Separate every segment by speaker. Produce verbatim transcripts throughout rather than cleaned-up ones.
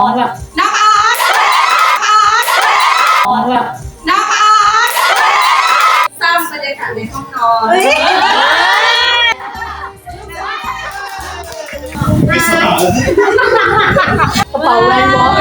Speaker 1: น้องแบบน้องออนน้องแบบน้องออนสร้างบรรยากาศในห้องนอน
Speaker 2: ไม่สบาย
Speaker 1: กระเป๋าแวนวอล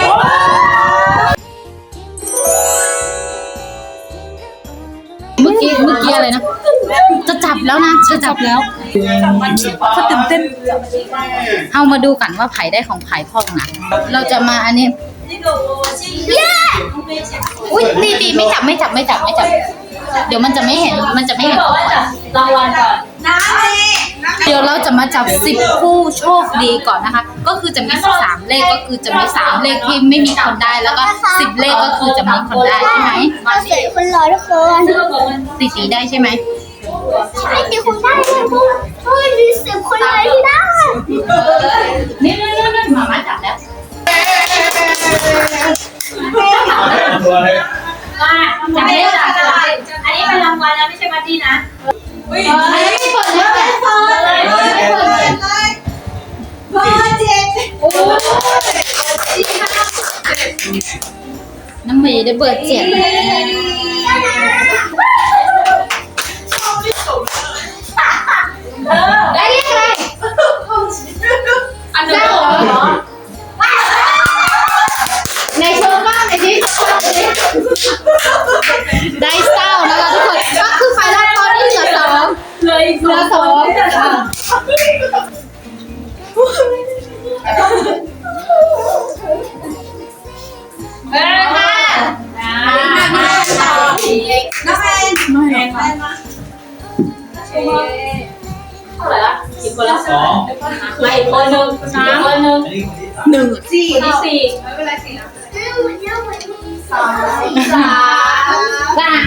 Speaker 1: เมื่อกี้เมื่อกี้อะไรนะจะจับแล้วนะจะจับแล้วเขาตื่นเต้นเอามาดูกันว่าไผ่ได้ของไผ่พ่องนะเราจะมาอันนี้เย้อุ้ยตีตีไม่จับไม่จับไม่จับไม่จับเดี๋ยวมันจะไม่เห็นมันจะไม่เห็นรางวัลก่อนเดี๋ยวเราจะมาจับสิบผู้โชคดีก่อนนะคะ ก็คือจะมีสามเลขก็คือจะมีสามเลขที่ไม่มีคนได้แล้วก็สิบเลขก็คือจะมีคนได้ใช่ไหม
Speaker 3: เราเสียคนรอทุกคน
Speaker 1: ตีตีได้ใช่ไหม
Speaker 3: ไม่มีคนได้เลยพวกเฮ้ยมีสิบคนเลยที่ได้
Speaker 1: นี่นี่นี่นี่มามาจับแล้ว
Speaker 2: ตัวเลย
Speaker 4: มาจับได้จับได้อันนี้เป็นรางวัลนะไม่ใช่บัดดี้นะ
Speaker 1: อันนี้ไม่เปิดแล้วไม่เปิดเลยไม่เปิดเลยเบอร์เจ็ดโอ้น้ำเมย์ได้เบอร์เจ็ดได้เลขอะไรอันนี้เหรอในโชว์บ้างในนี้ได้เศร้านะคะทุกคนก็คือไปแล้วตอนนี้เหลือสองเหลืออีกเหลือสองเออค่ะน้องแอนน้องแอนมาเท่าไหร่ละกี่คนละสองมาอีกคนหนึ่งสามคนหนึ่งหนึ่งสี่สี่ไม่เป็นไรสี่นะสามสามสาม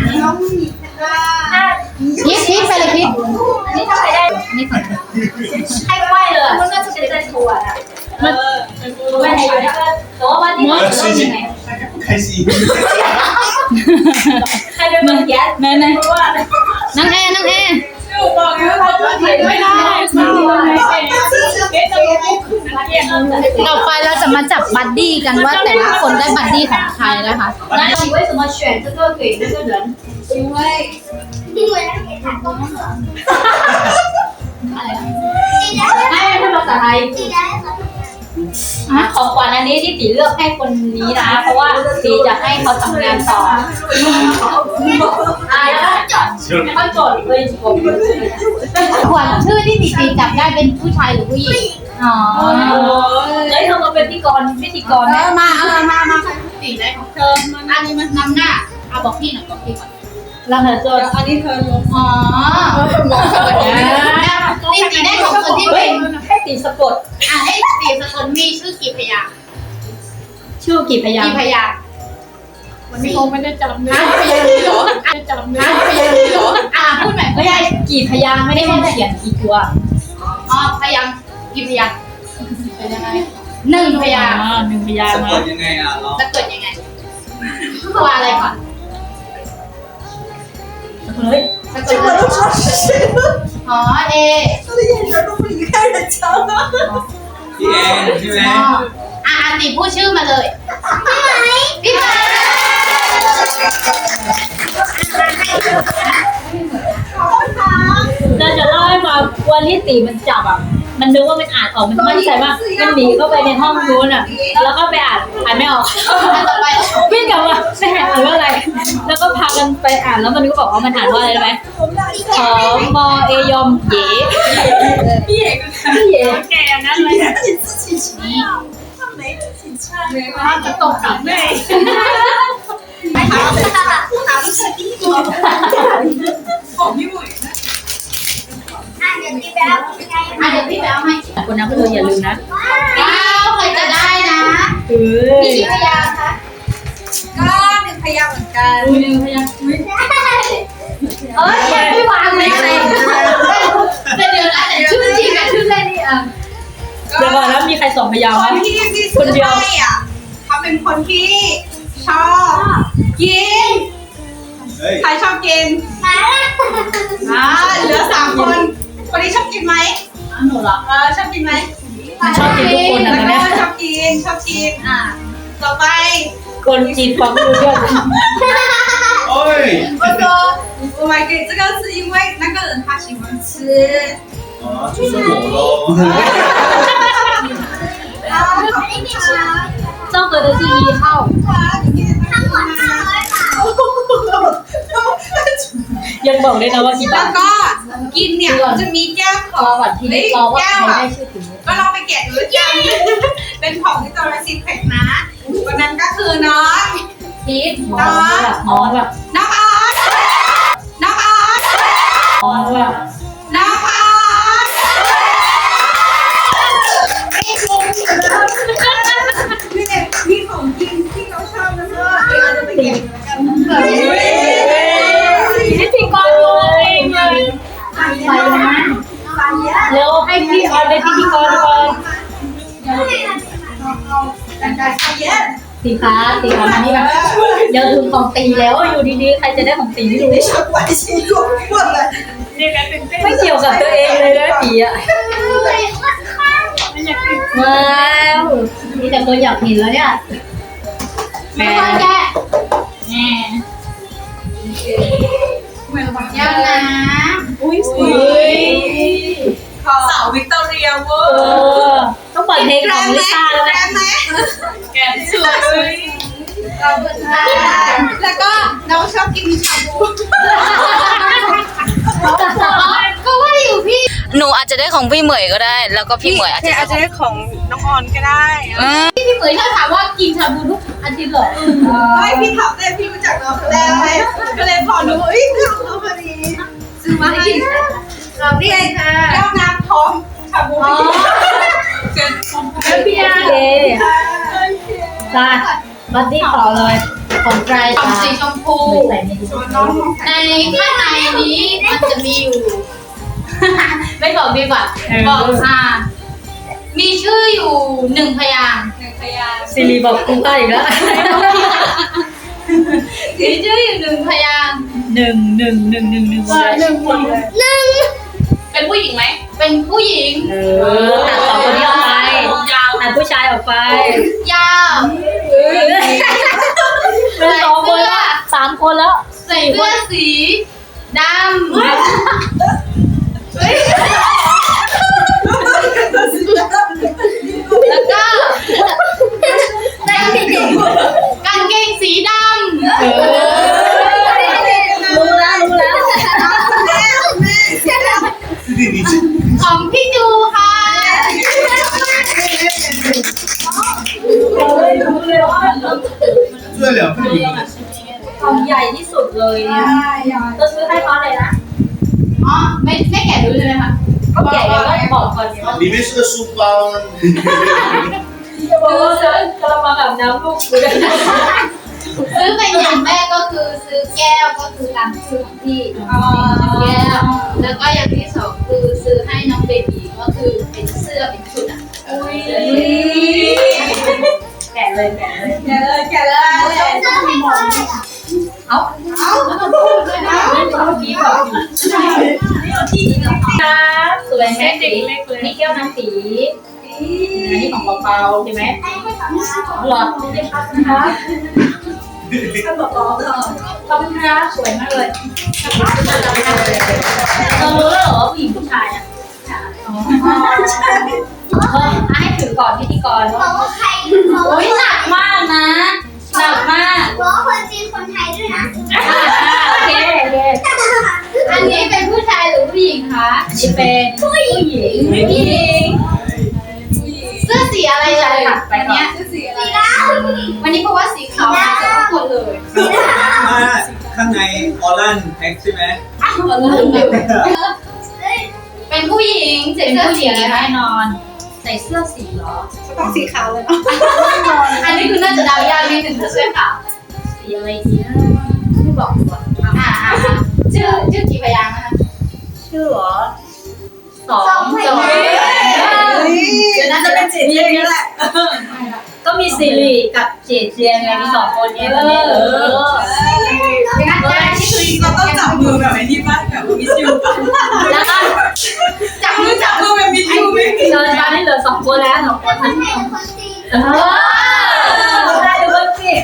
Speaker 1: พิษพิษไปเลยพิษ
Speaker 4: นี่ถ้าใครได้
Speaker 1: นี่ก่อน
Speaker 4: ให้ไหวเลยมันก็จะเป็นทัวร์อ่ะมันไม่ให้อยู่นะแต่ว่าวันนี้มันต้องยังไง
Speaker 2: 开心
Speaker 4: ใครเป็นมือแก๊ส
Speaker 1: ไหนไหนน้องแอนน้องแอน
Speaker 4: ไม่ได้
Speaker 1: ต่อไปเราจะมาจับบัดดี้กันว่าแต่ละคนได้บัดดี้ของใครนะคะ
Speaker 4: 那你为什么选这个给那个人？
Speaker 3: 因为因为那给他功课，
Speaker 4: ไม่เป็นภาษาไทย
Speaker 3: 记得和
Speaker 4: ของขวัญอันนี้ที่ตีเลือกให้คนนี้นะเพราะว่าตีจะให้เขาทำงานต่ออ่าเขาโจทย์เลยผม
Speaker 1: ขวัญชื่อที่ตีตีจับได้เป็นผู้ชายหรือผู้หญิงอ๋อ
Speaker 4: เฮ้ยเธอมาเป็นพิธีกรพิธีกร
Speaker 1: เออมาเออมามาตีได้ของเธออันนี้มันนำหน้าเอาบอกพี่หน่อยบอกพี่ก่อน
Speaker 4: เราเธอโจทย์อันนี้เธอลง
Speaker 1: อ๋อตีตีได้ของคนที่เป็น
Speaker 4: ให้ตีสะกด
Speaker 1: อ่ะให้ตีสกุลมีชื่อกี่พยางค์
Speaker 4: ชื่อกี่พยาง
Speaker 1: กี่
Speaker 4: ค์
Speaker 1: พยางค์
Speaker 5: วันนี้คงไม่ได้จำเนื้อ
Speaker 1: พยางค์เหรอ
Speaker 5: ไม่ได้จำเนื้อ
Speaker 1: พยางค์เหรออ่ะพูดใหม่
Speaker 4: ไม่ใช่กี่พยางค์ไม่ได้ให้เขียนกี่ตัว
Speaker 1: อ๋อพยางค์กี่พยางค์เป็นยังไงหนึ่งพยางค์
Speaker 5: อ่าหนึ่งพยาง
Speaker 2: สะ
Speaker 5: ค์
Speaker 2: ก
Speaker 5: นะ
Speaker 2: ดยังไงอ่ะเรา
Speaker 1: จะเกิดยังไงตัวอะไรก่อน
Speaker 4: เฮ้ย
Speaker 1: จะเกิดอ๋อเอ
Speaker 2: พี่แอนใช่ไหม
Speaker 1: อ๋ออ่ะตีพูดชื่อมาเลยพี่ไหมพี่ไหม
Speaker 4: เราจะเล่าให้ฟังวันที่ตีมันจับอ่ะมันนึกว่ามันอ่านออกมันมั่นใจมากมันหนีเข้าไปในห้องนู้นอ่ะแล้วก็ไปอ่านอ่านไม่ออก
Speaker 1: อันต่อไป
Speaker 4: พี่กลับมาไม่อ่านว่าอะไร แล้วก็พากันไปอ่านแล้วมันก็บอกว่ามันอ่านว่าอะไรรู้ไหมขอมอเอยอมเย่พี่เอ๋พี่เอ๋แกนั่นเลย
Speaker 1: จะตกกับแม่ของพี่บุ๋ย
Speaker 3: 啊，有地标，应该
Speaker 1: อ่ะเดี๋ยวพี่ไปเอาให้
Speaker 4: คนนั้นก็เลยอย่าลืมนะ
Speaker 1: ว้าวใครจะได้นะ
Speaker 4: เฮ้ย
Speaker 1: มีกี่พยางค์คะก็หนึ่งพยางค์เหมือนกัน
Speaker 4: หนึ่งพยางค์
Speaker 1: เอ้ยไม่วางเลยอะไรแต่เดี๋ยวนะแต่ชื่อจริงกับชื่อเล่นนี่อ่ะ
Speaker 4: เดี๋ยวก่อนแล้วมีใครสองพยางค์
Speaker 6: ค
Speaker 4: ไหม
Speaker 6: นที่พี่ซื้อให้อ่ะเขาเป็นคนที่ชอบกิน
Speaker 2: เฮ้ย
Speaker 6: ใครชอบกิน
Speaker 3: 麻辣，
Speaker 6: อ่าเหลือสามคน คนนี้ชอบกินไหม
Speaker 1: หนูเหรอ
Speaker 6: เออชอบกินไหม
Speaker 3: 有
Speaker 4: มันชอบกินทุกคนนะ
Speaker 6: แล้ว
Speaker 4: ตอน
Speaker 6: ก็
Speaker 4: เนี้ย
Speaker 6: ชอบกินชอบกินอ่ะต่อไป
Speaker 4: คนจีนฟังไม่รู้เรื่อง
Speaker 2: โอ้ย
Speaker 6: 我说我买给这个是因为那个人他喜欢吃。
Speaker 2: อ๋อ就是我咯
Speaker 6: 啊，好吃。
Speaker 4: เจ้าเกิด的是一号
Speaker 3: ทั้งหมดห้าร้อยบาท
Speaker 4: ยังบอกได้นะว่ากี่
Speaker 6: แล้
Speaker 4: บาว ท
Speaker 6: ก็กินเนี่ยจะมีแก้วข
Speaker 4: ร
Speaker 6: อ
Speaker 4: อง ก่อนทีนี้รอว่าใครได้ชื่อถึง
Speaker 6: ก็ลองไปแกะดูแก้วเป็นของที่ตัวซีเพ็กนะวันนั้นก็คือน้อง
Speaker 4: พีทมองแบบมองแบบ
Speaker 6: น้องออสน้องออส
Speaker 4: มองแบบ
Speaker 6: น้องออสนี่เนี่ยมีของกินที่เขาชอบนะเพื่อนเราจะไปเก็บกัน
Speaker 4: พิธีกรเลยไปนะเร็วให้พี่ออนเป็นพิธีกรก่อนสีฟ้าสีฟ้ามานี่แบบเดี๋ยวถึงของตีแล้วอยู่ดีๆใครจะได้ของตีไม่รู้ไม่เกี่ยวกับตัวเองเลยนะตีอ่ะว้าวมีแต่ตัวอยากเห็นแล้วเนี่ยแม่แม่แม่
Speaker 1: ยังนะ
Speaker 6: อุ้ยสาววิกตอเรียเวอ
Speaker 4: เอ
Speaker 6: ร์
Speaker 4: อต้องเปิดเพลงของลิซ่าแล้ว
Speaker 6: แก
Speaker 4: นะ
Speaker 6: มไหมแกมสวย
Speaker 1: ขอบคุณค่ะ
Speaker 6: แล้วก็น้องชอบกินชาบู
Speaker 1: ก็ว่าอยู่พี่ หนูอาจจะได้ของพี่เหมยก็ได้ แล้วก็พี่เหมยอาจจะ
Speaker 6: อาจจะได้ของน้องออนก็ได้
Speaker 1: อืม
Speaker 4: พี่เหมยถ้าถามว่ากินชาบูทุกอาทิตย์เหรอ
Speaker 6: ไม่พี่ถามได้พี่รู้จักน้องแล้วไงก็เลยพอรู้เอ้ยน้องเขาพอดีซื้อมาให้เราเรียกค่ะแก้วน้ำพร้อมชาบูเกิน
Speaker 4: แล้วพี่อาเดจ้าบัดดี้ขอเลยของใคร
Speaker 1: ของ
Speaker 4: จ้า
Speaker 1: สีชมพู
Speaker 4: ใส่ในนี้
Speaker 6: น้อง
Speaker 1: ในข้างในนี้มันจะมีอยู่ ไม่บอกดีกว่า บอกค่ะ มีชื่ออยู่หนึ่งพยางค์
Speaker 6: หนึ่งพยาน
Speaker 4: ซิริบอกกูใกล้อีกแล้ว
Speaker 1: มีชื่ออยู่หนึ่งพยางค์
Speaker 4: หนึ่งหนึ่งหนึ่งหนึ่งหนึ่ง
Speaker 6: หนึ่งคนเลย
Speaker 1: เป็นผู้หญิงไหม เป็นผู้หญิง
Speaker 4: เออตัดสองคนนี้ออกไปตัดผู้ชายออกไป
Speaker 1: ยาว
Speaker 4: เป็นสองคนแล้วสามคนแล้ว
Speaker 1: ใส่เสื้อสีดำแล้วก็กางเกงสีดำ
Speaker 4: เออรู้แล้วรู้แล้ว
Speaker 1: ของพี่จูค่ะ
Speaker 2: 这两份礼物
Speaker 4: ของใหญ่ที่สุดเลยเนี่ยจะซื้อให้เขาเลยนะ
Speaker 1: อ๋อ ไม่ไม่แกะดูใช่ไหมคะ
Speaker 4: ก็ใหญ่แล้วก็บอกก่อนเนี่ย
Speaker 2: 里面是个书包
Speaker 4: บอกว่าซื้อกระมังอาบน้ำลูกกูเลย
Speaker 1: ซื้อเป็นอย่างแรกก็คือซื้อแก้วก็คือตามชื่อของพี่แก้ว แล้วก็อย่างที่สองคือซื้อให้น้องเบบีก็คือเป็นเสื้อเป็นชุดอ่ะ
Speaker 4: แกะเลยแกะเลย
Speaker 6: แกเลยแกเลย
Speaker 4: เอาเอาเมื่อกี้บอกอยู่ครับสวยแม่สีนี่แก้วน้ำสีอันนี้ของเปาๆใช่ไหมหลอดนี่ได้ครับนะคะขอบคุณครับสวยมากเลยเรารู้แล้วเหรอว่าผู้หญิงผู้ชายอ่ะเออให้ถือก่อนพิธีกร
Speaker 3: บอกว่าใครบอก
Speaker 1: โอ้ยหนักมากนะหนักมาก
Speaker 3: ว่าคนจีนคนไทยด้วยนะ
Speaker 4: โอเคโอเค
Speaker 1: อันนี้เป็นผู้ชายหรือผู้หญิงคะ
Speaker 4: นี่เป็นผู้หญิง
Speaker 1: ผู้หญิงเสื้อสีอะไรเลยวันเนี้ย
Speaker 6: สีอะไร
Speaker 3: สีด
Speaker 1: วันนี้เพราะว่าสีขาวมาเกือบทุกคนเลย
Speaker 2: ข้างในออลันแพ็คใช่ไหม
Speaker 1: เป็นผู้หญิงใส่
Speaker 4: เป็น
Speaker 1: เสื้อ
Speaker 4: ผู้ห
Speaker 1: สี
Speaker 4: ญิง
Speaker 1: อะไรไหม
Speaker 4: แน่นอน ใส่เสื้อสีเหรอ
Speaker 6: ต้องสีขาวเลย
Speaker 1: อันนี้คือน่าจะเดายากนิดนึงถ้าเสื้อขาว
Speaker 4: สีอะไรดีนะไม่บอกดีกว่า
Speaker 1: อ่าอ่าชื่อชื่อกี่พยางค์นะคะ
Speaker 4: ชื่อเหรอสอง
Speaker 1: สองพยางค์เดี๋ยวน่าจะเป็น
Speaker 6: สีนี้แหละ
Speaker 4: ก็มีสิริกับเจเจียงไงมีสองคนนี้ตอนนี้เออ
Speaker 1: งั้นได้ที่คือ
Speaker 6: เราต้องจับมือแบบไอ้นี่ป่ะแบบมิสยูป่ะ
Speaker 4: แล้วก็
Speaker 1: จับมือจับมือ
Speaker 6: มือแบบมิสยูไหม
Speaker 4: ตอนนี้เหลือลือสองคนแล้วสองคน
Speaker 3: คนไทยกับคนจีน
Speaker 4: เออได้ดูคนสิ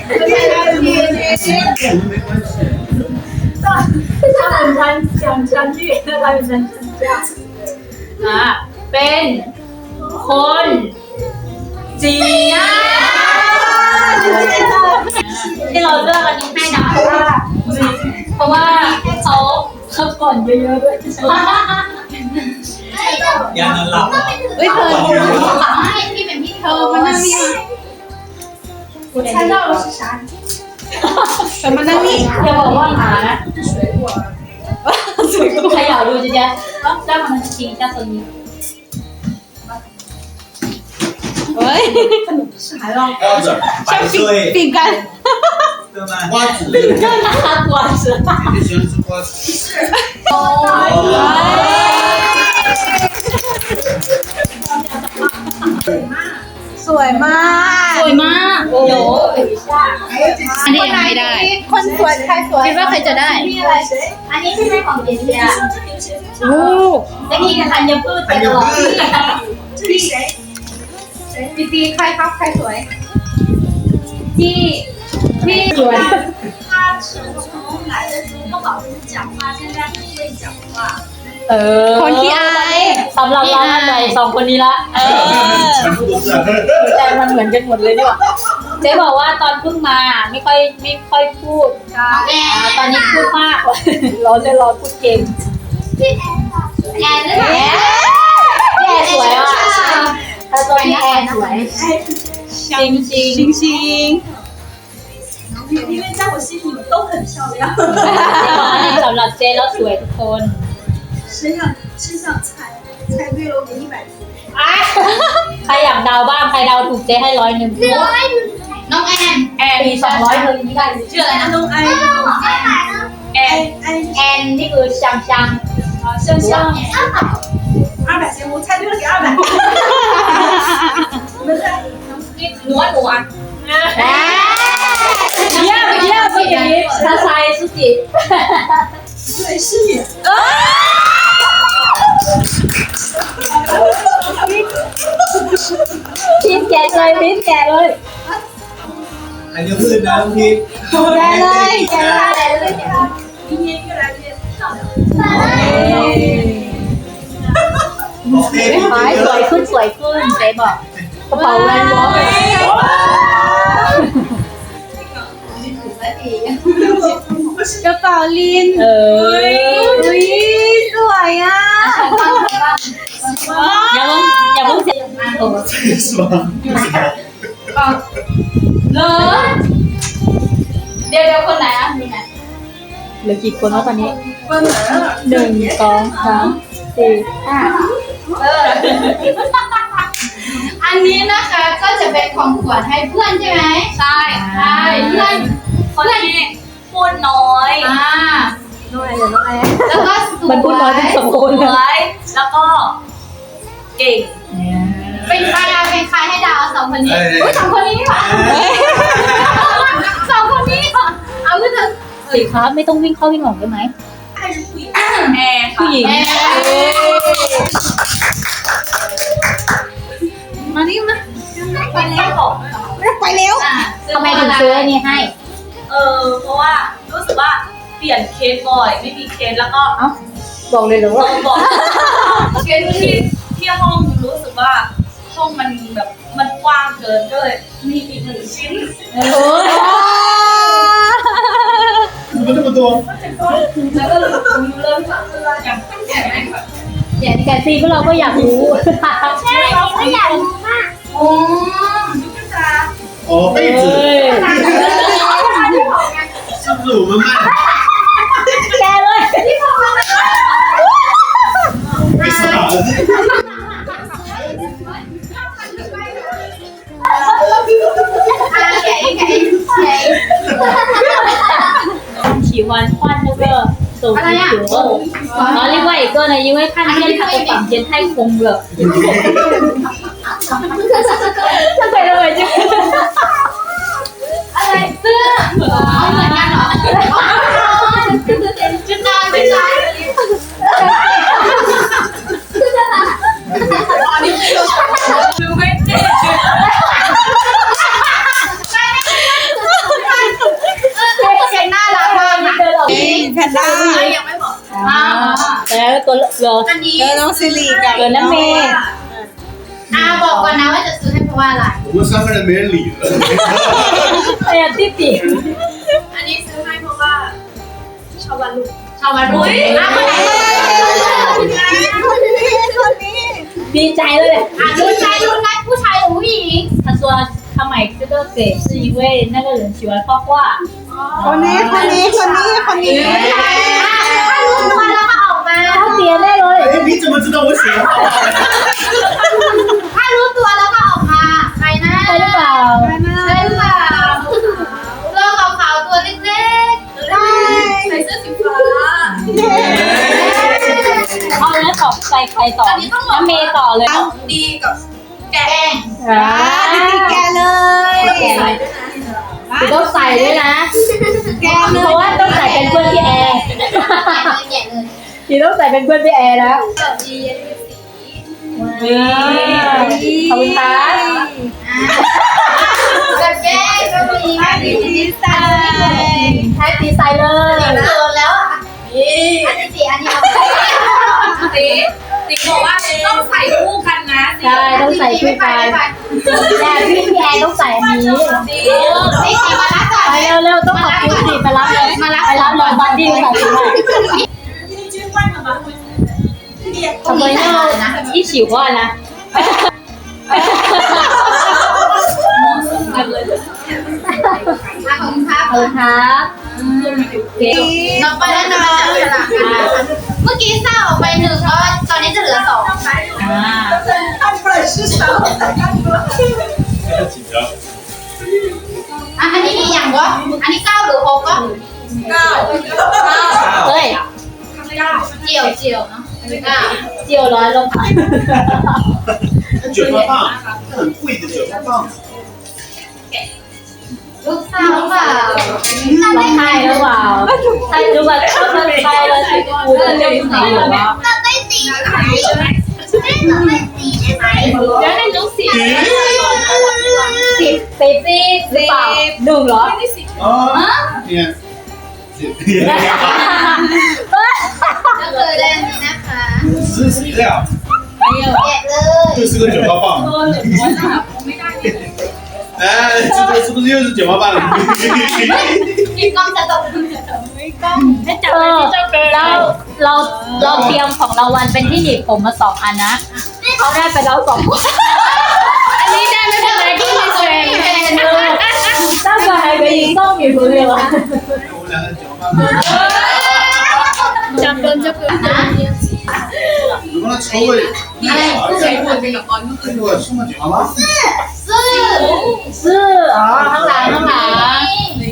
Speaker 4: ถ้าเป็นชั้นชั้นชั้นที่อะไรเป็นชั้นชั้นอ่ะเป็นคนจีนที่เราเลือกอันนี้ให้นะเพราะว่าเขาเขาก่อนเยอะๆด้วย
Speaker 2: อย่านอนหลับ
Speaker 1: เฮ้ยเธอให้พี่เป็นพี่เธอมานั่งนี่
Speaker 6: 我猜到了是啥？什么呢？你
Speaker 4: อย่าบอกว่าหมานะใครอยากดูจะจะต้องจ้างมันจริงจ้าตัวนี้
Speaker 6: 喂，
Speaker 3: 啥呀？
Speaker 2: 瓜子儿百岁
Speaker 6: 饼干。
Speaker 2: 对吗？
Speaker 7: 瓜子，
Speaker 4: 他果子
Speaker 7: 你喜欢吃瓜子？
Speaker 6: สวยมาก
Speaker 1: สวยมากโอ้โหอันนี้ยังไม่ได้
Speaker 6: คนสวยใครสวย
Speaker 1: คิดว่าใครจะได้
Speaker 4: อันนี้ใช่ไหมของเจเจีย
Speaker 1: โอ้
Speaker 4: เมื่อกี้ธัญพืชไปตลอด
Speaker 6: ปีปีใครครับใครสวย
Speaker 4: ที่ที่สวย
Speaker 3: 他是从来的时候不好意思讲话，现在很会讲话。
Speaker 4: เออ
Speaker 6: คนที่อาย
Speaker 4: สำหรับเราใจสองคนนี้ละเออ
Speaker 7: 全部都是。
Speaker 4: ใจมันเหมือนกันหมดเลยดีกว่าเจ๊บอกว่าตอนเพิ่งมาไม่ค่อยไม่ค่อยพูดอ่าตอนนี้พูดมากร้อนเลยร้อนพูดเก่ง
Speaker 3: แอนด้วย
Speaker 4: แอร์สวยอ่ะถ้าตัวนี้แอร์สวยจริงจริง
Speaker 6: ชิงชิง
Speaker 3: 因为在我心里你们都很漂亮。
Speaker 4: สำหรับเจ๊แล้วสวยทุกคน
Speaker 3: 谁想谁想猜？猜对了我给一百分。
Speaker 4: ใครอยากเดาบ้างใครเดาถูกเจ๊ให้ร้อยหนึ่ง
Speaker 1: น้องแอน
Speaker 4: แอร์มีสองร้อยเธอนี่ได้
Speaker 1: ชื่ออะไรนะ
Speaker 3: 东安，
Speaker 4: แอนแอนนี่คือช่างช่างช่างช่าง
Speaker 3: 二百行，我猜对了给二百。你们猜？
Speaker 4: หัวหัวเยี่ยมเยี่ยมสุกิทาไซสุกิ
Speaker 3: 对，是你。
Speaker 4: พิมแกะเลยพิมแกะเลย
Speaker 2: อันนี้พืชนะพี่
Speaker 6: ได้เลยแก
Speaker 3: 来了，明年越来越漂亮。
Speaker 2: บอกเต้พี่
Speaker 4: ขายสวยขึ้นสวยขึ้นเจ๊บอกกระเป๋าแวนวอล
Speaker 6: กระเป๋าลิน
Speaker 4: เออ
Speaker 6: อุ้ยสวยอ่ะ
Speaker 4: อย่าเพิ่งอย่าเพิ่งเสียโอ้
Speaker 7: 是吗？
Speaker 1: เหรอเดี๋ยวเดี๋ยวคนไหนอ่ะมีไหน
Speaker 4: เหลือกี่คนแล้วตอนนี้หนึ่งสองสามสี่ห้า
Speaker 1: เอออันนี้นะคะก็จะเป็นของขวัญให้เพื่อนใช่ไหมใช่ใช่เพื่อน
Speaker 4: คนที่พูดน้อย
Speaker 1: อ่า
Speaker 4: น้อยเดี๋ยวน้อย
Speaker 1: แล้วก็สวย
Speaker 4: มันพูดน้อยเป็นสองคน
Speaker 5: สวยแล้วก็เก่ง
Speaker 1: เป็นใครอะเป็นใครให้ดาวสองคนนี้อุ้ยสองคนนี้นี่หว่าสองคนนี้ค่ะเอาขึ้นเถอะ
Speaker 4: สิครับไม่ต้องวิ่งเข้าวิ่งออกได้ไหม
Speaker 3: 还是不一样。
Speaker 5: แอร์ค่ะ
Speaker 4: ผู้หญิง
Speaker 1: เอ๊ะ
Speaker 6: มานี่มา
Speaker 3: ไปแล้ว
Speaker 6: ไปเร็ว
Speaker 1: อ่ะ
Speaker 4: ทำไมถึงซื้ออันนี้ให้
Speaker 5: เออเพราะว่ารู้สึกว่าเปลี่ยนเคสบ่อยไม่มีเคสแล้วก็
Speaker 4: เอ้าบอกเลยเหรอ
Speaker 5: เอ
Speaker 4: ว่า
Speaker 5: อบอกเคสที่ที่ห้องรู้สึกว่าห้องมันแบบมันกว้างเกินก็เลยมีอีกหนึ่งชิ้น
Speaker 4: โอ้
Speaker 7: 怎么这么多？
Speaker 5: แล้วก็เลยเริ่มสั่งอย่างตั้งแต่แรกแบบ
Speaker 4: อย่างแกซีพวกเราก็อยากรู้
Speaker 3: ใช่เราก็อยากรู้มาก
Speaker 1: โอ้
Speaker 7: 哦，被子，是不是我们卖？
Speaker 4: แกเลย
Speaker 7: 为啥？
Speaker 1: อ่ะแกะอีกแกะอีกแกะอีก
Speaker 4: 喜欢换那个手机壳，然后另外一个呢，因为看见他的房间太空了，他给了我就
Speaker 1: อะไรเสื้ออ๋อเหมือนกันเหรอจุดนอนจุดนอน
Speaker 3: อันนี้คือ
Speaker 6: ด้า
Speaker 5: ยังไม่บอก
Speaker 4: อ่าแล้วตัวเหลือ
Speaker 5: อันนี้
Speaker 6: แล้วน้องซิริกับ
Speaker 4: เหลือน้ำเมย์
Speaker 1: อ่าบอกก่อนนะว่าจะซื้อให้เพราะว่าอะไร
Speaker 7: 我们三个人没人理了。
Speaker 4: เอ้ยติ๊บติ๊บ
Speaker 5: อันนี้ซื้อให้เพราะว่าชอบวันลูก
Speaker 1: ชาวบ้านรู้อ่ะคนไหน
Speaker 6: คนนี้คนนี้
Speaker 4: ดีใจเลย
Speaker 1: อ่ะรุ่นชายรุ่นนัดผู้ชายหรือผู้หญิง
Speaker 4: 他说他买这个给是因为那个人喜欢画画。
Speaker 6: คนนี้คนนี้คนนี้คนนี้
Speaker 1: ถ้ารู้ตัวแล้วก็ออกมา
Speaker 4: 他点ได้เลย
Speaker 7: 哎，你怎么知道我喜欢画画？
Speaker 1: ถ้ารู้ตัวแล้วก็ออกมาใครนะ
Speaker 4: ใช่หรือเปล่า
Speaker 1: ใช่หรือเปล่าโลกขาวๆตัวเล็กๆได้
Speaker 5: ใส่เสื้อสีฟ้า
Speaker 4: เอาแล้วต่อใส่ใครต่อน้ำเมย์ต่อเลย
Speaker 5: ดีกับแกง
Speaker 4: อ่า
Speaker 6: ดิติแกเลย
Speaker 4: แกะคือต้องใส่ด้วยนะ
Speaker 6: แกเล
Speaker 4: เพราะว่าต้องใส่เป็นเพื่อนพี่แอร์
Speaker 1: แกะเลย
Speaker 4: พี่ต้องใส่เป็นเพื่อนพี่แอร์แล้ว
Speaker 5: ดีอันนี้สี
Speaker 4: ขอบคุณครับ
Speaker 1: แบบแกะก็มี
Speaker 6: ดิติใส่
Speaker 4: ใช้ตีใส่เลย
Speaker 1: โดนแล้วอ่ะ
Speaker 5: นี่
Speaker 1: อันนี้สีอันนี้เอา
Speaker 5: สีสีบอกว่าต้องใส่คู่กันนะสี
Speaker 4: ใช่ต้องใส่คู่กันแต่พี่พี่แอร์ต้องใส่อันนี้
Speaker 5: สี
Speaker 1: สีสีมารับก่อน
Speaker 4: ไปเร็วๆต้องขอบคุณสิไปรับเลยมารับไปรับเลยบัดดี้ใส่ด้วยทำไมเนี่ย一起画呢
Speaker 5: กันเลย
Speaker 1: ขอบคุณครับ
Speaker 4: ขอบคุณครับเก่ง
Speaker 1: ต่อไปแล้วจะมาจับฉลากกันนะคะเมื่อกี้เศร้าออกไปหนึ่งเพราะตอนนี้จะเหลือสอง
Speaker 4: อ่า
Speaker 6: 看本事少，看多。
Speaker 7: 紧张。
Speaker 1: อ่ะอันนี้มีอย่างวะอันนี้เก้าหรือหกก็
Speaker 6: 高
Speaker 4: เฮ้ย
Speaker 1: เจียวเจียวเนาะเก้า
Speaker 4: เจียวร้อยลงไป
Speaker 7: 卷发棒，很贵的卷发棒。
Speaker 1: ลูกสาวเปล่า
Speaker 4: ร้องไห้หรือเปล่าใครรู้ว่าถ้ามันใครแล้วที่กูจะเล่นไหนหรอวะ
Speaker 3: เราได้สีได้ไหมแม่เราได้สีได้ไหม
Speaker 5: แล้วในน้องสี
Speaker 4: สิบสิบสิบหรือเปล่าหนึ่งเหรอ
Speaker 7: 啊，你看。
Speaker 1: ก็คือได้อันนี้นะคะ
Speaker 7: 这是谁的呀？
Speaker 1: แกะเลย
Speaker 7: 这是个卷发棒。哎，这个是不是又是卷发棒？
Speaker 1: กินกล้องจะตก
Speaker 4: เออเราเราเราเตรียมของรางวัลเป็นที่หนีบผมมาสองอันนะเขาได้ไปแล้วสองอันนี้ได้ไม่เป็นไรที่มีเทรนตั้งใจให้ไปยิงส้มอยู่คนเดียว
Speaker 7: 我两个卷发棒。
Speaker 5: จับโดนจะเกิดนะ
Speaker 7: 你帮他抽个。
Speaker 1: อะไร
Speaker 5: ใช้คนเป็นกับบอลก็คือ
Speaker 7: 这个送个卷发棒。
Speaker 1: ซื้อ
Speaker 4: ซื้ออ๋อข้างหลังข้างหลัง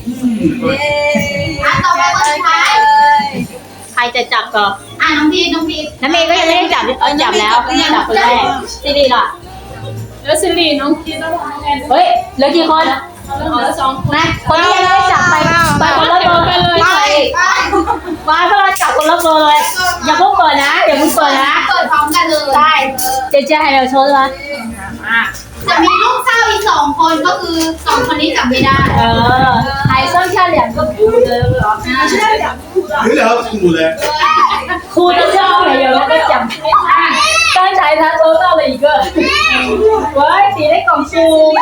Speaker 1: อ่ะต่อไปคนสุดท้าย
Speaker 4: ใครจะจับก่อน
Speaker 1: อ่ะน้องพีน้องพี
Speaker 4: น้ำเมย์ก็ยังไม่ได้จับเออจับแล้วจับคนแรกซีรีล่ะ
Speaker 5: แล้วสิริน้องคิดแล้วว่าไง
Speaker 4: เฮ้ยเหลือกี่คน
Speaker 5: เอาแล้วสองคน
Speaker 4: นะคนที่ยังไม่ได้จับไปไปคนละเบอร์ไปเลยไปมาพวกเราจับคนละเบอร์เลยอย่าเพิ่งเปิดนะอย่าเพิ่งเปิดนะ
Speaker 1: เปิดพร้อมกันเลย
Speaker 4: ได้เจ๊เจ๊ให้เราโชว์เลย
Speaker 1: จะมีลูกสาวอีกสองคนก็คือสองคนนี้จับไม่ได้
Speaker 4: เออ还剩下两个哭的了
Speaker 7: 有两个父母的。
Speaker 4: 哭的就没有那个奖刚才他抽到了一个喂你在讲书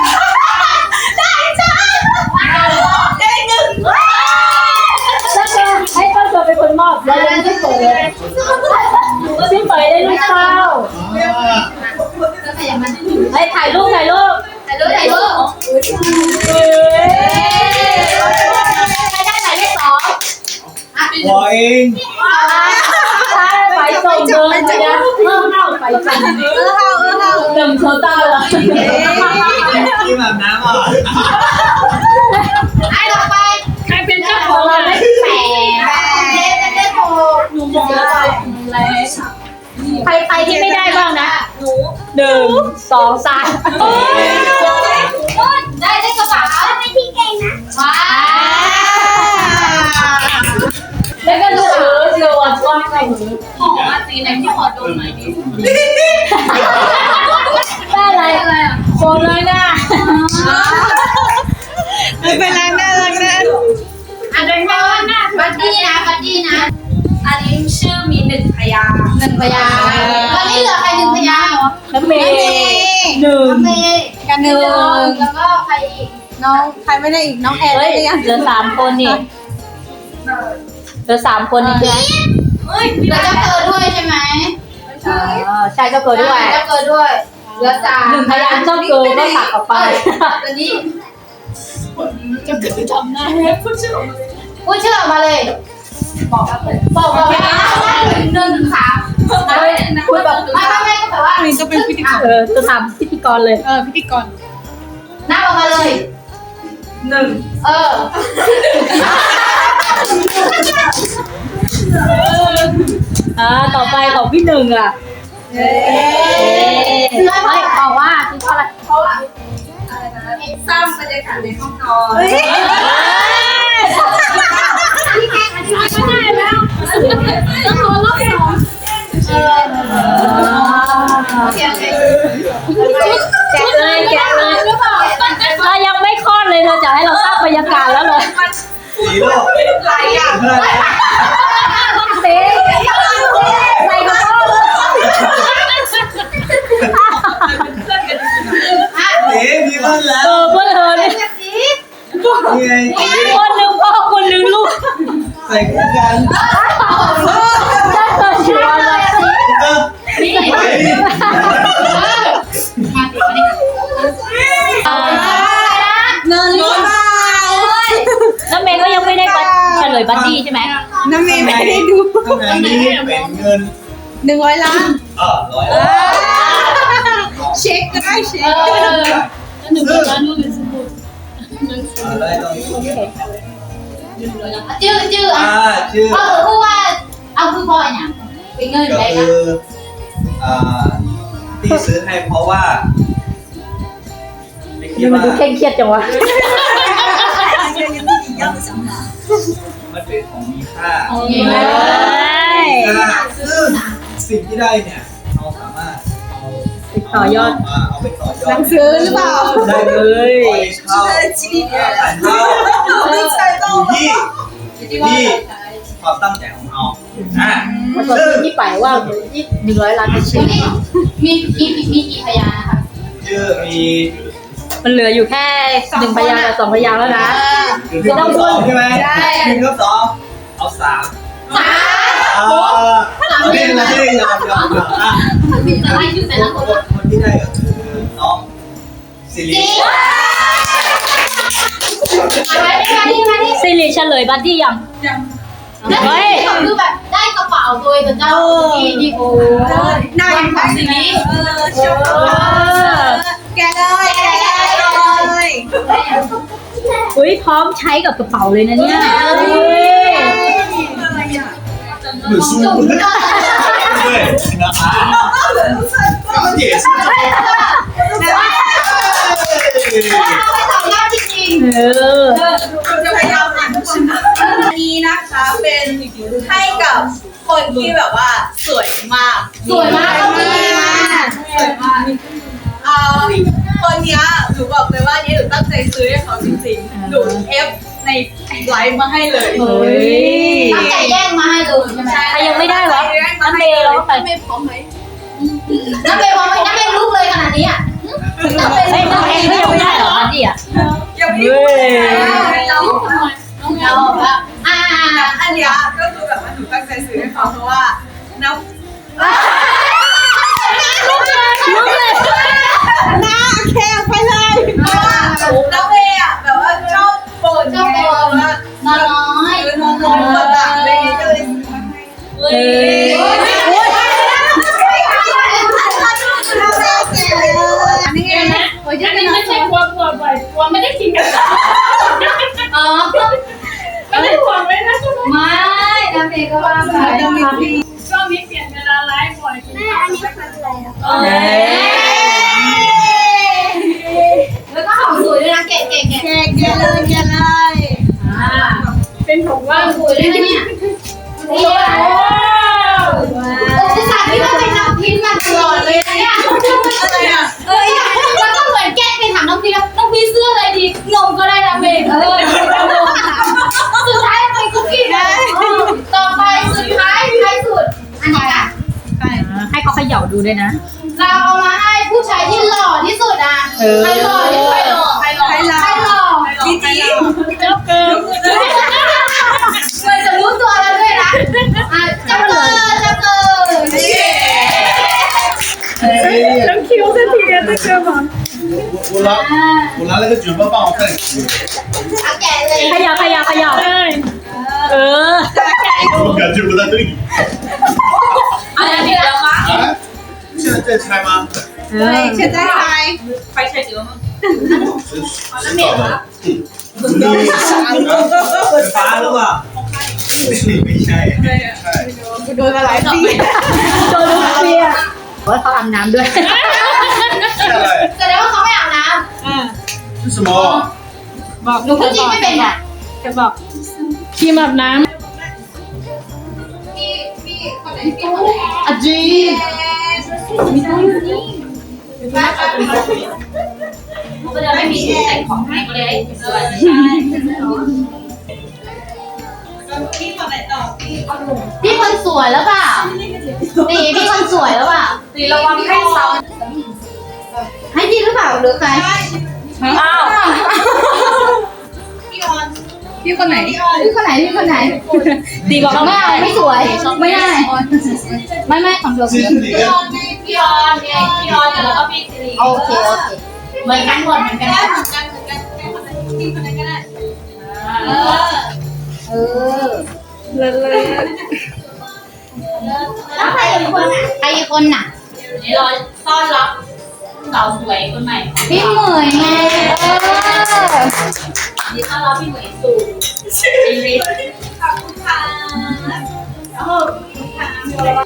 Speaker 4: 那个ให้ต้นเกิดเป็นคนมอบแล้วยังไม่เปิดเลยซึ่งเปิดได้ลูกเต้า
Speaker 1: ก็ขยับมัน
Speaker 4: ให้ถ่ายรูปถ่ายรูป
Speaker 1: ถ่ายรูปถ่ายรูป
Speaker 4: เฮ้ใครได้หมายเลขสอง
Speaker 2: 我赢。
Speaker 4: ใช่ไปส่งเดินนะเพิ่มเข้าไปส่ง
Speaker 6: 二号二号，
Speaker 4: หนึ่งโชว์ต้าเลย
Speaker 2: 你蛮难嘛。
Speaker 1: ไอ้ต่อไป
Speaker 5: ใครเป็นเจ้าข
Speaker 4: ข
Speaker 5: อ
Speaker 4: อง งเรา
Speaker 5: อะไร
Speaker 4: ได้แปด
Speaker 1: เลขเป็นเลขหก
Speaker 5: หนูมองอะไร
Speaker 4: ใครใครที่ไม่ได้บ้างนะหนึ่งสองสาม
Speaker 1: ได้ได้กระเป๋าไม่ที่เก่งนะว้า
Speaker 4: แล้วก็ลูกเอ๋ยเชื่อว่าชอบใครหนู
Speaker 5: หอมสีไหนที่หอมโดนไหนดี
Speaker 4: ได้อะไรอะไรอ่ะโคนเลยนะ
Speaker 6: ไม่เป็นไรน่ารักนะ
Speaker 1: อ่ะเดินเข้าบัดดี้นะบัดดี้นะ
Speaker 5: อันนี้ชื่อมีหนึ่งพยางค์
Speaker 1: หนึ่งพยางค์ตอนนี้เหลือใครหนึ่งพยางค์
Speaker 4: น้ำเมย์หนึ่ง
Speaker 1: เมย์
Speaker 6: กันหนึ่ง
Speaker 1: แล้วก็ใครอีก
Speaker 6: น้องใครไม่ได้อีกน้องแอน
Speaker 4: เฮ้
Speaker 6: ได้
Speaker 4: ย
Speaker 6: หรือยัง
Speaker 4: เหลือสามคนนี่เหลือสามคนนี่ใช่ไหม
Speaker 5: เฮ้ย
Speaker 1: เหลือเจ้าเกิดด้วยใช่ไหม
Speaker 4: อ๋อใช่ก็เกิดด้วย
Speaker 1: เจ้าเกิดด้วยเหลือสาม
Speaker 4: หนึ่งพยางค์เจ้าเกิดก็ตัดออกไป
Speaker 1: ตอนนี้
Speaker 5: จะเกิดจำได้พูดชื่อออกมาเลย
Speaker 1: พูดชื่อออกมาเลย
Speaker 5: บอกกันเลย
Speaker 1: บอกบอกไปนะหนึ่งถึงสาม
Speaker 5: เฮ้ยพูดแบบ
Speaker 1: ไม่ไม่ไม่ก็แบบว่า
Speaker 6: อันนี้จะเป็นพิธีกร
Speaker 4: เออจะทำพิธีกรเลย
Speaker 6: เออพิธีกร
Speaker 1: นับออกมาเลย
Speaker 5: หนึ่ง
Speaker 1: เออ
Speaker 4: อ่าต่อไปของพี่หนึ่งอ่ะ
Speaker 6: เย้
Speaker 1: เพื่อนไม่บอกว่าคืออะไร
Speaker 5: เพราะว่าอะไรนะสร้างบรรยากาศในห้องนอน
Speaker 6: เฮ้ย
Speaker 5: ต้องรอรอบสอง
Speaker 1: เออโอเคโอเค
Speaker 4: แกะเลยแกะเลยเรายังไม่คลอดเลยเธอจะให้เราสร้างบรรยากาศแล้วเลย
Speaker 2: สีโลก
Speaker 5: หลายอย่าง
Speaker 2: เพื่อน
Speaker 4: เต๊ใส่กระเป๋าเลย
Speaker 2: สีมีเพื่อนแล้
Speaker 4: เอ
Speaker 2: ว
Speaker 4: อเพื่อนเธอเนี่ย
Speaker 2: นี่ไงสี
Speaker 4: คนหนึ่งพ่อคนหนึ่งลูก
Speaker 2: ใส่คู่กัน
Speaker 4: ถ้าเธอชัวร์เลย
Speaker 2: เออ
Speaker 1: นี่
Speaker 2: ไปดิ
Speaker 1: มาติดมาดิ
Speaker 6: เงินล้านบาท
Speaker 4: น้ำเมย์ก็ยังไม่ได้เฉลยบัดดี้ใช่ไหม
Speaker 6: น้ำเมย์ไม่ได้ดู
Speaker 2: ข้างในนี้เป็นเงิน
Speaker 6: หนึ่งร้อยล้าน
Speaker 2: เออร้อย
Speaker 6: เช็คก็ได้เช็ค
Speaker 1: เออ
Speaker 2: ซึ่งอะไรต้อง
Speaker 1: ชื่อชื่อ
Speaker 2: อ่า
Speaker 1: อ่ะ
Speaker 2: ชื่อ
Speaker 1: เออคือว่าเอาคือพอเนี่ยเป็นเงิน
Speaker 2: ก็
Speaker 1: ได้
Speaker 2: คื
Speaker 1: นะ
Speaker 2: ออ่าที่ซื้อให้เพราะว่าไม่คิด
Speaker 4: นี่มัน
Speaker 2: ว่า
Speaker 4: ดูเคร่งเครียดจังวะ
Speaker 2: มันเป็นของมีค่า
Speaker 1: โอเค
Speaker 2: ค่าซึ่งสิ่งที่ได้เนี่ยเราสามารถเอา
Speaker 4: ต่อยอด
Speaker 2: มาเอาไปต่อยอ
Speaker 6: หนั
Speaker 2: ด
Speaker 6: งสือหรือเปล่า
Speaker 2: ได้เลยเช่าผ่านเช่าอยู่ที่ที่ความตั้งใจของเราอ่า
Speaker 4: มันก็
Speaker 2: ซึ่ง
Speaker 4: ที่ไปว่าที่หนึ่งร้อยล้านเป็นชื่
Speaker 1: วั
Speaker 4: อน
Speaker 1: นี้มีมีมีกี่พยานนะคะ
Speaker 2: ชื่อมี
Speaker 4: มันเหลืออยู่แค่หนึ่งพยางค์กับสองพยางค์แล้วนะ
Speaker 2: คือที่ต้องสองใช่ไหมหนึ่งกับสองเอาสาม
Speaker 1: สาม
Speaker 2: อ่าเอาเล่นละเล่นยอมยอมยอมอ่ะ
Speaker 1: อะไรอยู่แต่ละคน
Speaker 2: คนที่ได้ก็คือน้องซิลิ
Speaker 1: มาดิมาดิมาดิ
Speaker 4: สิริเฉลยบัดดี้ยัง
Speaker 1: นั่นคือแบบได้กระเป๋าตัวเองกับเจ้าดีดีโอ
Speaker 6: หน้าอย่าง
Speaker 1: สีนี้
Speaker 6: เออชมแกเลยแกเลย
Speaker 4: อุ้ยพร้อมใช้กับกระเป๋าเลยนะเนี่ย
Speaker 2: หรือสู้ด้วยนะคะก็เดี๋ยวสิ
Speaker 1: เอาไปสองรอบจริง
Speaker 4: เออ
Speaker 6: เราจะพยายามอ่านทุกคนอันนี้นะคะเป็นให้กับคนที่แบบว่าสวยมาก
Speaker 1: สวยมากก็มีมา
Speaker 6: สวยมากเอ่อคนเนี้ยหนูบอกเลยว่านี่หนูตั้งใจซื้อให้เขาจริงๆหนูเอฟในไลฟ์มาให้เลย
Speaker 4: เฮ้ย
Speaker 1: ตั้งใจแย่งมาให้ดูใช่ไหม
Speaker 4: ใครยังไม่ได้เหรอน้ำเมย์เหรอใคร
Speaker 6: ไม่พร้อมไหม
Speaker 1: น้ำเบย์มองไม่น้ำเบย์ลุกเลยขนาดนี้อ่ะน้ำเบย์
Speaker 4: เฮ้ยน้ำเมย์ก็ยังไม่ได้เหรอบัดดี้อ่ะ
Speaker 6: ยังไม่ได้เรา
Speaker 1: เราแบบอ่า
Speaker 6: อันเนี้ยก็คือแบบว่าหนูตั้งใจซื้อให้เขาเพราะว่าน้ำ
Speaker 4: ลุกเลย
Speaker 6: หน้าแคบไปเลยเพราะว่าน้ำเมย์อ่ะแบบว่าชอบบ่นไงว่า
Speaker 1: น้อยน้อย
Speaker 6: คือนอนน้อยคนต่างอะไรอย่างเงี้ยก็เลยซื้อมาให้
Speaker 4: เฮ้ย
Speaker 6: อันนี้ไงนะโอ้ย
Speaker 5: อันนี้ไม่ใช่กลัวกลัวบ่อยกลัวไม่ได้กินกัน
Speaker 1: อ๋อ
Speaker 5: ไม่ได้ห่วงไม่ได้ช่วง
Speaker 1: ไม่น้ำเบย์ก็ว่าไป
Speaker 5: ช่วงนี้เปลี่ยนเวลาไลฟ์บ่อยกินข้าวไม่ค่อยเลย
Speaker 4: เฮ้ย
Speaker 1: แล้วก็หอมสวยด้วยนะเก๋เก๋เก๋
Speaker 6: แกแกเลยแกเลย
Speaker 5: เป็นผมว่า
Speaker 1: สวยด้วยนะเนี่ยนี่อ่ะโอ้ยสาพี่ว่าไปทำพิมพ์มาตลอดเลยนะเนี่ย
Speaker 6: อะไรอ่ะ
Speaker 1: เอ้ยแล้วก็เหมือนแกล้งไปถามน้องพีแล้วน้องพีเสื้ออะไรดีนมก็ได้นะเมย์เออสุดท้ายไปคุกกี้นะตอน
Speaker 4: ย่าดูด้วยนะ
Speaker 1: เราเอามาให้ผู้ชายที่หล่อที่สุดอ่ะ
Speaker 4: เออ
Speaker 1: ใครหล่อที่สุด
Speaker 5: ใครหล่อใครหล่อ
Speaker 6: ใครหล่อ
Speaker 1: ใครหล่อ
Speaker 6: จริงจริง
Speaker 4: เจ้าเกิน
Speaker 1: เหมือนจะรู้ตัวแล้วด้วยนะอ่ะเจ้าเกิดเจ้าเกิด
Speaker 4: แล้วคิวสักทีเดียวจะเกินมั้ง
Speaker 7: 我我拿我拿那个卷发棒，我看你吃。
Speaker 1: เอาแกะเลย
Speaker 4: ขยับขยับขยับเออ
Speaker 7: 我感觉不太对。
Speaker 5: อะไรผิดแล้วมั้ง
Speaker 7: 啊？现在在拆吗？
Speaker 4: เออ
Speaker 6: เชื่อใจใคร
Speaker 5: ไฟใช้เยอะมั้ง
Speaker 7: 谁谁搞的？你
Speaker 2: ฟ้าหรือเปล่าไม่ใช่
Speaker 6: โดนมาหลายปี
Speaker 4: โดนลูกเปียว่าเขาอาบน้ำด้วย
Speaker 7: 下来，
Speaker 1: แสดงว่าเขาไม่อาบน้
Speaker 7: 是什么？
Speaker 4: บอก
Speaker 1: ำหนูพูดจริงไม่เป็นอ่ะ
Speaker 4: จะบอกครีมอาบน้
Speaker 1: อ่ะจี
Speaker 5: ก็จะไม่มีชุดแต่งของให้ก็เลยเสื้อ
Speaker 6: พี่คนไหนต่อพี่
Speaker 1: พี่คนสวยแล้วเปล่าตีพี่คนสวยแล้วเปล่า
Speaker 5: ตีระวังให้ซ้
Speaker 1: ให้จีหรือเปล่าหรือใคร
Speaker 5: ำอ้าว
Speaker 6: พี่ออนพี่คนไหน
Speaker 1: พี่คนไหนพี่คนไหน
Speaker 4: ำตีบอก
Speaker 1: ไม่เอาไม่สวยไม่ได้ไม่ไม่ของเธอ
Speaker 7: 这是哪个？
Speaker 5: พี่ออนไงพี่ออนแล้วก็พี่สิริ
Speaker 1: โอเคโอเค
Speaker 5: เหมือนกันหมดเหมือนกัน
Speaker 6: ได้เหมือนกันเหมือนกันได้คนไหนพี่คนไหนก็ได้
Speaker 1: เออเออ
Speaker 6: เลยเลย
Speaker 1: แล้วใครอีกคนอ่ะใครอีกคนน่ะ
Speaker 5: นี่เราต้อนรับสาวสวยคนใหม่
Speaker 1: พี่เหมยไงเออ
Speaker 5: นี่ต้อนรับพี่เหมยสู่ชีวิต
Speaker 6: ขอบคุณค่ะ